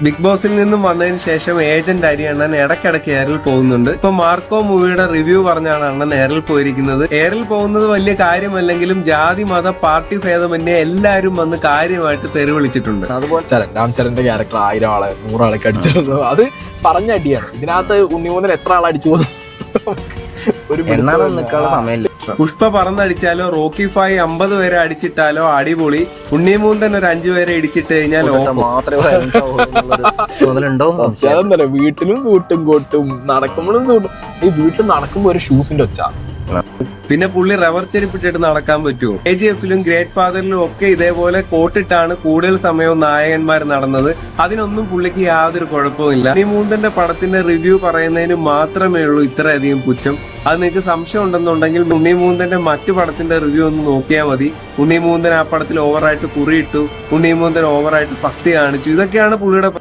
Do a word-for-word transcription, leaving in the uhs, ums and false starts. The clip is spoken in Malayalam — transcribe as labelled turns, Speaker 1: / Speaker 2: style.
Speaker 1: ബിഗ് ബോസിൽ നിന്നും വന്നതിന് ശേഷം ഏജന്റ് അരി അണ്ണൻ ഇടയ്ക്കിടയ്ക്ക് എയറിൽ പോകുന്നുണ്ട്. ഇപ്പൊ മാർക്കോ മൂവിയുടെ റിവ്യൂ പറഞ്ഞാണ് അണ്ണൻ എയറിൽ പോയിരിക്കുന്നത്. എയറിൽ പോകുന്നത് വലിയ കാര്യമല്ലെങ്കിലും ജാതി മത പാർട്ടി ഭേദമന്യേ എല്ലാരും വന്ന് കാര്യമായിട്ട് തെരുവിളിച്ചിട്ടുണ്ട്.
Speaker 2: അതുപോലെ ചരൺ രാംചരന്റെ ക്യാരക്ടർ ആയിരം ആളെ നൂറാളൊക്കെ അടിച്ചിരുന്നു. അത് പറഞ്ഞ അടിയാണ്. ഇതിനകത്ത് ഉണ്ണിമൂന്നൻ എത്ര ആളെ അടിച്ചു പോകുന്നു ഒരു
Speaker 3: സമയമില്ല.
Speaker 1: പുഷ്പ പറന്നടിച്ചാലോ റോക്കി ഫായ് അമ്പത് പേരെ അടിച്ചിട്ടാലോ അടിപൊളി. ഉണ്ണിമൂന്തൻ ഒരു അഞ്ചു പേരെ ഇടിച്ചിട്ട് കഴിഞ്ഞാൽ
Speaker 2: അതെന്തല്ല, വീട്ടിലും സൂട്ടും കോട്ടും നടക്കുമ്പോഴും സൂട്ടും. ഈ വീട്ടിൽ നടക്കുമ്പോ ഒരു ഷൂസിന്റെ ഒച്ച.
Speaker 1: പിന്നെ പുള്ളി റബ്ബർ ചെരുപ്പിട്ടിട്ട് നടക്കാൻ പറ്റുമോ? കെ ജി എഫിലും ഗ്രേറ്റ് ഫാദറിലും ഒക്കെ ഇതേപോലെ കോട്ടിട്ടാണ് കൂടുതൽ സമയവും നായകന്മാർ നടന്നത്. അതിനൊന്നും പുള്ളിക്ക് യാതൊരു കുഴപ്പമില്ല. ഉണ്ണിമൂന്തന്റെ പടത്തിന്റെ റിവ്യൂ പറയുന്നതിന് മാത്രമേ ഉള്ളൂ ഇത്രയധികം പുച്ഛം. അത് നിങ്ങൾക്ക് സംശയം ഉണ്ടെന്നുണ്ടെങ്കിൽ ഉണ്ണിമൂന്തന്റെ മറ്റു പടത്തിന്റെ റിവ്യൂ ഒന്ന് നോക്കിയാൽ മതി. ഉണ്ണിമൂന്തൻ ആ പടത്തിൽ ഓവറായിട്ട് കുറിയിട്ടു, ഉണ്ണിമൂന്തൻ ഓവറായിട്ട് ഭക്തി കാണിച്ചു. ഇതൊക്കെയാണ് പുള്ളിയുടെ